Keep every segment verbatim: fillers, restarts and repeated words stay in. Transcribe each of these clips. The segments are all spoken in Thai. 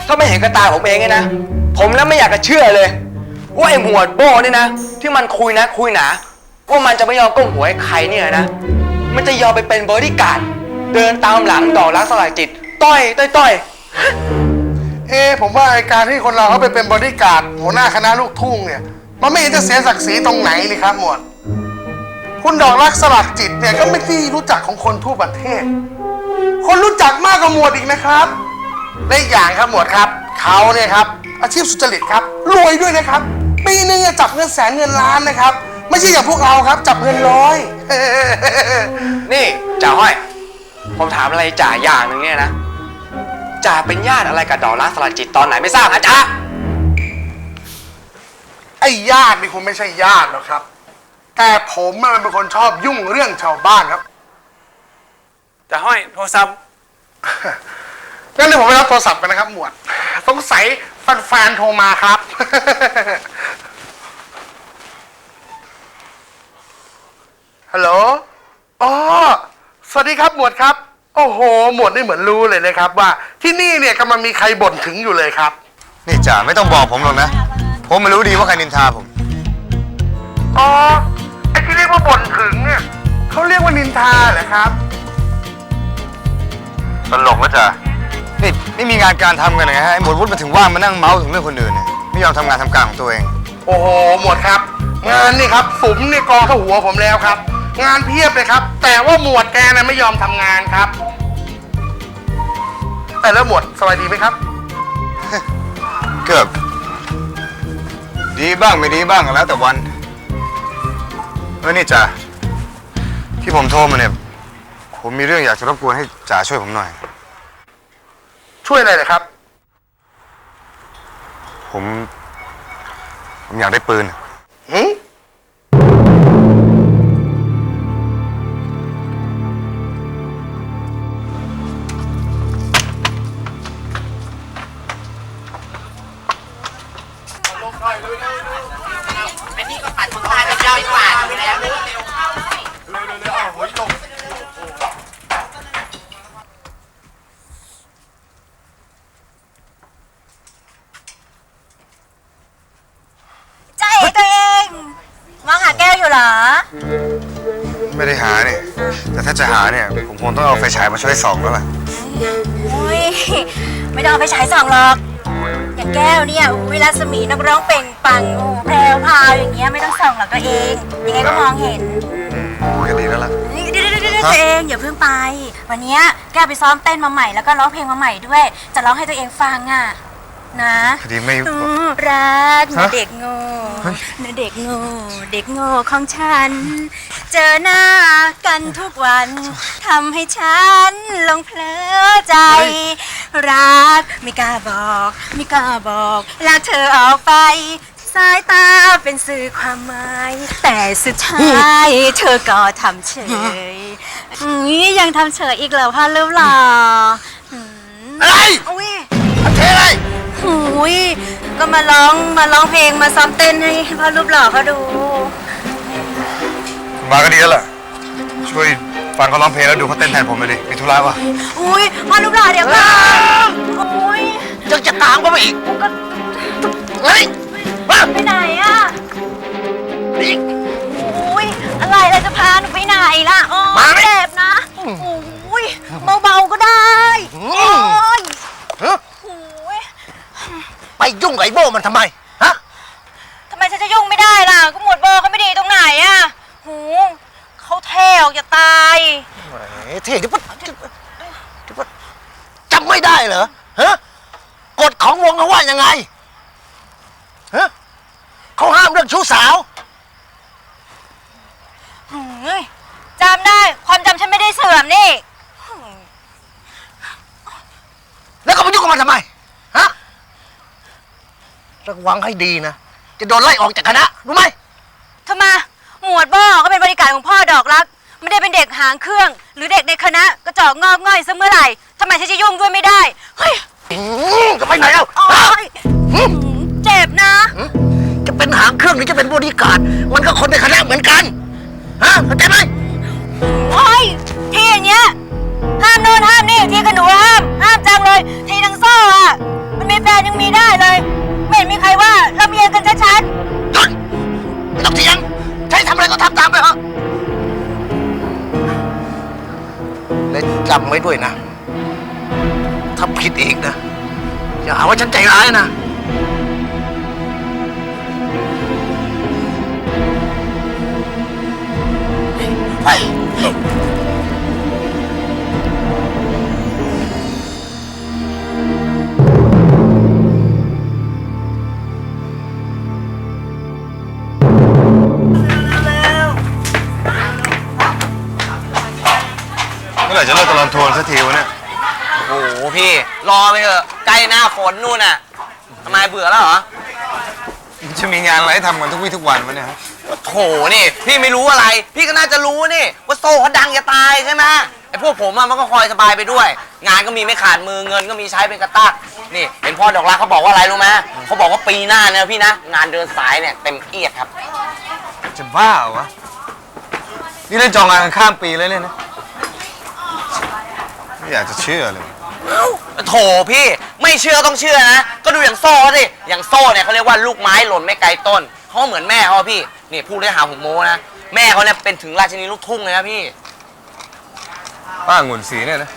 ถ้าไม่เห็นกระตาผมเองเนี่ยนะผมแล้วไม่อยากจะเชื่อเลยว่าไอ้หมวดโบ้เนี่ยนะที่มันคุยนะคุยหนาว่ามันจะไม่ยอมก้มหัวให้ใครเนี่ยนะมันจะยอมไปเป็นบอดี้การ์ดเดินตามหลังดอกรักสลายจิตต้อยต้อยต้อยเอผมว่าไอการที่คนเราเขาไปเป็นบอดี้การ์ดหัวหน้าคณะลูกทุ่งเนี่ยมันไม่เห็นจะเสียศักดิ์ศรีตรงไหนเลยครับหมวดคุณดอกรักสลักจิตเนี่ยก็เป็นที่รู้จักของคนทั่วประเทศคนรู้จักมากกว่าหมวดอีกนะครับและอีกอย่างครับหมวดครับเขาเนี่ยครับอาชีพสุจริตครับรวยด้วยนะครับปีนึงจะจับเงินแสนเงินล้านนะครับไม่ใช่อย่างพวกเราครับจับเงินร้อยนี่จ่าห้อยผมถามอะไรจ่าอย่างหนึ่งเนี่ยนะจ่าเป็นญาติอะไรกับดอกรักสลัดจิตตอนไหนไม่ทราบนะจ่าไอ้ญาตินี่คงไม่ใช่ญาติหรอกครับแต่ผมมันเป็นคนชอบยุ่งเรื่องชาวบ้านครับจ่าห้อยโทรศัพท์งั้นเดี๋ยวผมไปรับโทรศัพท์กันนะครับหมวดสงสัยแฟนๆโทรมาครับฮัลโหลอ๋อสวัสดีครับหมวดครับโอ้โหหมวดนี่เหมือนรู้เลยนะครับว่าที่นี่เนี่ยกำลังมีใครบ่นถึงอยู่เลยครับนี่จ่าไม่ต้องบอกผมหรอกนะผมไม่รู้ดีว่าใครนินทาผมอ๋อไอ้ที่เรียกว่าบ่นถึงเนี่ยเขาเรียกว่านินทาเหรอครับตลกแล้วจ่านี่ไม่มีงานการทำกันไงฮะไอ้หมวดวุฒิมาถึงว่างมานั่งเมาส์ถึงเรื่องคนอื่นเนี่ยไม่ยอมทำงานทำการของตัวเองโอ้โหหมวดครับงานนี่ครับสุมนี่กองเข้าหัวผมแล้วครับงานเพียบเลยครับแต่ว่าหมวดแกน่ะไม่ยอมทำงานครับแต่แล้วหมวดสบายดีไหมครับเกือบดีบ้างไม่ดีบ้างแล้วแต่วันเออนี่จ่าที่ผมโทรมาเนี่ยผมมีเรื่องอยากจะรบกวนให้จ่าช่วยผมหน่อยช่วยอะไรเลยครับผมผมอยากได้ปืนหืมอันนี้ก็ปัดคนตายเป็นย่อยกว่าอยู่แล้วเร็วเร็วเข้าสิเร็วเร็วเร็วเอาหัวลงใจตัวเองมองหาแก้วอยู่เหรอไม่ได้หาเนี่ยแต่ถ้าจะหาเนี่ยผมคงต้องเอาไฟฉายมาช่วยส่องแล้วล่ะอุ้ยไม่ต้องเอาไฟฉายส่องหรอกอย่างแก้วเนี่ยอุ้ยรัศมีนักร้องเปล่งปังโอ้แพรวพราวอย่างเงี้ยไม่ต้องส่องหรอกตัวเองยังไงก็มองเห็นก็ดีแล้วล่ะเดี๋ยวเดี๋ยวเดี๋ยวตัวเองอย่าเพิ่งไปวันนี้แก้วไปซ้อมเต้นมาใหม่แล้วก็ร้องเพลงมาใหม่ด้วยจะร้องให้ตัวเองฟังอ่ะนะดีไม่รักนะเด็กโง่นะเด็กโง่เด็กโง่ของฉันเจอหน้ากันทุกวันทำให้ฉันลงเพลอใจรักไม่กล้าบอกไม่กล้าบอกลาเธอออกไปสายตาเป็นสื่อความหมายแต่สุดท้ายเธอก็ทำเฉยยังทำเฉยอีกเหรอพ่อรูปหล่ออะไรอุ้ยทำเฉยอะไรหูยก็มาร้องมาร้องเพลงมาซ้อมเต้นให้พ่อรูปหล่อเขาดูมาก็ดีแล้วล่ะช่วยฟังเขาร้องเพลงแล้วดูเขาเต้นแทนผมเลยดิมีธุระวะอุ้ยพ่อรูปหล่อเดี๋ยวก่อนอุ้ยยังจะตามก็ไปอีกเฮ้ยไปไหนอ่ะนี่อุ้ยอะไรเราจะพาหนูไปไหนล่ะโอ้ยเจ็บนะอุ้ยเบาๆก็ได้โอ้ยไปยุ่งกับไอ้โบ้มันทำไมฮะทำไมฉันจะยุ่งไม่ได้ล่ะก็หมวดโบ้เขาไม่ดีตรงไหนอ่ะหูเขาเท่ออกจะตายเท่ที่ปุ๊บที่ปุ๊บจำไม่ได้เหรอฮะกฎของวงเขาว่ายังไงฮะเขาห้ามเรื่องชู้สาวจำได้ความจำฉันไม่ได้เสื่อมนี่แล้วก็มายุ่งกับมันทำไมฮะระวังให้ดีนะจะโดนไล่ออกจากคณะรู้ไหมทำไมหมวดโบ้ก็เป็นบริการของพ่อดอกรักไม่ได้เป็นเด็กหางเครื่องหรือเด็กในคณะกระจอกงอกง่อยซะเมื่อไหร่ทำไมฉันจะยุ่งด้วยไม่ได้เฮ้ยจะไปไหนแล้วเจ็บนะจะเป็นหางเครื่องหรือจะเป็นบริการมันก็คนในคณะเหมือนกันฮะเข้าใจไหมโอ้ยที่อย่างเงี้ยห้ามโน่นห้ามนี่ที่กับหนูห้ามห้ามจังเลยทีทั้งโซ่อะมันมีแฟมีได้เลย ไม่เห็นมีใครว่าเราเมียกันชัดหยุดไม่ต้องเถียงใช้ทำอะไรก็ทำตามไปเถอะและจำไว้ด้วยนะ ถ้าผิดอีกนะ อย่าหาว่าฉันใจร้ายนะ ไปเมื่อไหร่จะเลิกตะลอนทัวร์สักทีวะเนี่ยโอ้โหพี่ รอไปเถอะใกล้หน้าฝนนู่นน่ะทำไมเบื่อแล้วเหรอมันจะมีงานอะไรให้ทำกันทุกวี่ทุกวันวะเนี่ยฮะโถนี่ พี่ไม่รู้อะไร พี่ก็น่าจะรู้นี่ ว่าโซ่เขาดังจะตายใช่ไหมไอ้พวกผมอะมันก็คอยสบายไปด้วย งานก็มีไม่ขาดมือเงินก็มีใช้เป็นกระตักนี่เห็นพ่อดอกรักเขาบอกว่าอะไรรู้ไหมเขาบอกว่าปีหน้าเนี่ยพี่นะงานเดินสายเนี่ยเต็มเอียดครับจะบ้าเหรอวะ นี่เล่นจองงานกันข้ามปีเลยเนี่ยนะ ไม่อยากจะเชื่อเลยโถพี่ไม่เชื่อต้องเชื่อนะก็ดูอย่างโซ่สิอย่างโซ่เนี่ยเขาเรียกว่าลูกไม้หล่นไม่ไกลต้นเขาเหมือนแม่เขาพี่นี่พูดได้หาผมโม้นะแม่เขาเนี่ยเป็นถึงราชินีลูกทุ่งเลยนะพี่ป้าหงุ่นสีเนี่ยนะ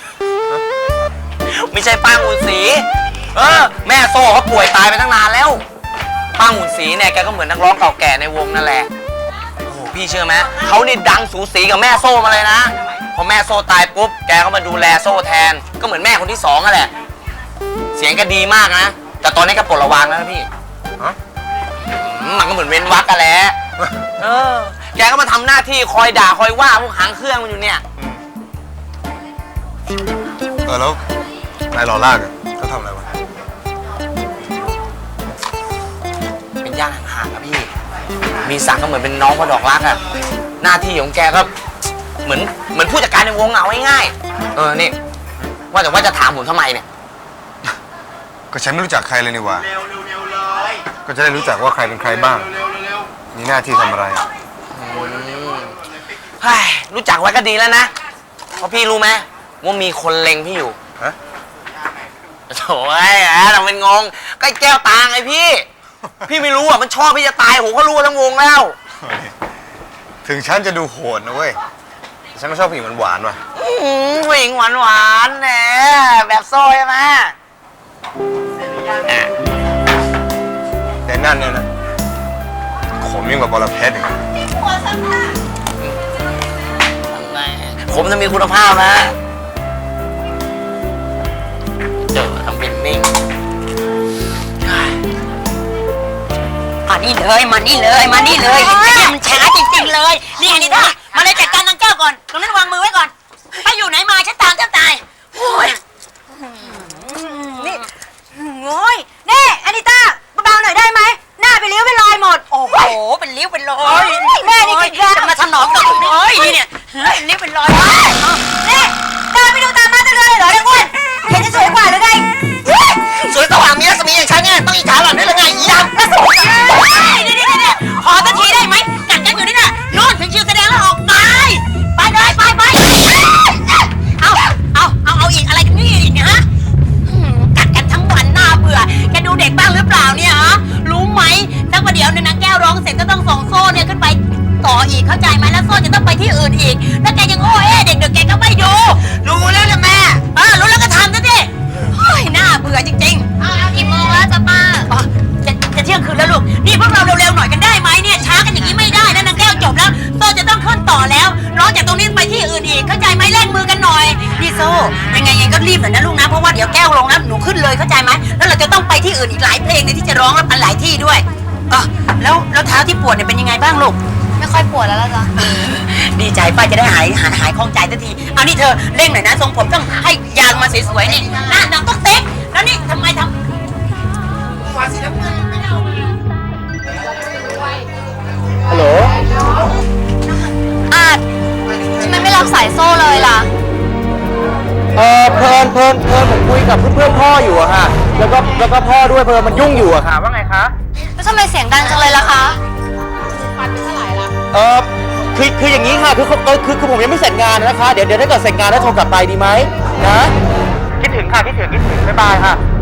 ไม่ใช่ป้าหุ่นสีเออแม่โซ่เขาป่วยตายไปตั้งนานแล้วป้าหุ่นสีเนี่ยแกก็เหมือนนักร้องเก่าแก่ในวงนั่นแหละโอ้โหพี่เชื่อไหมเขานี่ดังสูสีกับแม่โซ่มาเลยนะพอแม่โซ่ตายปุ๊บแกก็มาดูแลโซ่แทนก็เหมือนแม่คนที่สองนั่นแหละเสียงแกดีมากนะแต่ตอนนี้ก็ปลดระวางแล้วนะพี่ฮะอืมมันก็เหมือนเว้นวักกันแหละเออแกก็มาทำหน้าที่คอยด่าคอยว่าพวกหางเครื่องมันอยู่เนี่ยเออแล้วนายรอลากอะเขาทำอะไรวะเป็นญาติห่างๆครับพี่ มีศักดิ์ก็เหมือนเป็นน้องพ่อดอกรักอะหน้าที่ของแกก็เหมือนเหมือนผู้จัดการในวงเอาง่ายๆเออนี่ว่าแต่ว่าจะถามผมทำไมเนี่ยก็ฉันไม่รู้จักใครเลยนี่หว่าก็จะได้รู้จักว่าใครเป็นใครบ้าง มีหน้าที่ทำอะไรอะเฮ้ยรู้จักไว้ก็ดีแล้วนะเพราะพี่รู้ไหมว่ามีคนเล็งพี่อยู่ฮะโถ่ไอ้แอะทำเป็นงงก็ไอ้แก้วตาไงพี่ พี่ไม่รู้อ่ะมันชอบพี่จะตายผมก็รู้ทั้งวงแล้วถึงฉันจะดูโหดนะเว้ยแต่ฉันก็ชอบผู้หญิงหวานๆว่ะอื้อหือผู้หญิงหวานหวานๆแหน่แบบโซ่ใช่ไหมแต่นั่นเนี่ยนะขมยิ่งกว่าบอระเพ็ดอีกผมจะมีคุณภาพนะเจอทำเป็นนิ่งมานี่เลยมานี่เลยมานี่เลยเนี่ยมันช้าจริงๆเลยนี่อันนี้ท่ามาเลยจัดการนางแก้วก่อนตรงนั้นวางมือไว้ก่อนไปอยู่ไหนมาฉันตามแทบตายโอ้ยนี่โอ้ยนี่อานิต้าเบาๆหน่อยได้ไหมหน้าเป็นริ้วเป็นรอยหมดโอ้โหเป็นริ้วเป็นรอยแม่นี่กินยาจะมาถนอมกับโอ้ยเนี่ยเป็นริ้วเป็นรอยนี่ตาไปดูตามมาตะเลยเหรอเนี่ยอ้วนเห็นจะสวยกว่าหรือไงสวยสว่างมีรัศมีอย่างฉันเนี่ยต้องอิจฉาหล่อนได้หรือไงอีดำนี่นี่นี่ขอสักทีได้ไหมกัดกันอยู่นี่น่ะโน่นถึงคิวแสดงแล้วออกไปไปเลยไปไปเอาเอาเอาเอาอีกอะไรกันนี่อีกเนี่ยฮะกัดกันทั้งวันน่าเบื่อแกดูเด็กบ้างหรือเปล่าเนี่ยฮะรู้ไหมสักประเดี๋ยวเนี่ยนางแก้วร้องเสร็จก็ต้องส่งโซ่เนี่ยขึ้นไปต่ออีกเข้าใจไหมแล้วโซ่จะต้องไปที่อื่นอีกถ้าแกยังโอ้เอ๊เด็กๆแกก็ไม่ดูรู้แล้วนะแม่เออรู้แล้วก็ทำซะสิเฮ้ยน่าเบื่อจริงๆกี่โมงแล้วจ๊ะป้าจะจะเที่ยงคืนแล้วลูกนี่พวกเราเร็วๆหน่อยกันได้ไหมเนี่ยช้ากันอย่างนี้ไม่ได้นะนางแก้วจบแล้วโซ่จะต้องขึ้นต่อแล้วร้องจากตรงนี้ไปที่อื่นอีกเข้าใจไหมเล่นมือกันหน่อยนี่โซ่ยังไงยังก็รีบหน่อยนะลูกนะเพราะว่าเดี๋ยวแก้วลงแล้วหนูขึ้นเลยเข้าใจไหมแล้วเราจะต้องไปที่อื่นอีกหลายเพลงเลยที่จะร้องแล้วไปหลายที่ด้วยเออแล้วแล้วเท้าที่ปวดเนี่ยเป็นยังไงบ้างลูกไม่ค่อยปวดแล้วล่ะจ๊ะดีใจป้าจะได้หายหายหายคล่องใจสักทีเอานี่เธอเร่งหน่อยนะทรงผมต้องให้ยางมาสวยๆนี่หน้าหนังต้องเต๊กแล้วนี่ทำไมทำฮัลโหลอาจทำไมไม่รับสายโซ่เลยล่ะเออเพลินเพลินเพลินผมคุยกับเพื่อนๆพ่ออยู่อะค่ะ แล้วก็แล้วก็พ่อด้วยเพลินมันยุ่งอยู่อะค่ะ ว่าไงคะแล้วทำไมเสียงดังจังเลยล่ะคะเออคือคืออย่างนี้ค่ะคือคือคือคือผมยังไม่เสร็จงานนะคะ เดี๋ยวเดี๋ยวถ้าเกิดเสร็จงานแล้วโทรกลับไปดีไหมนะ คิดถึงค่ะคิดถึงคิดถึงบ๊ายบายค่ะ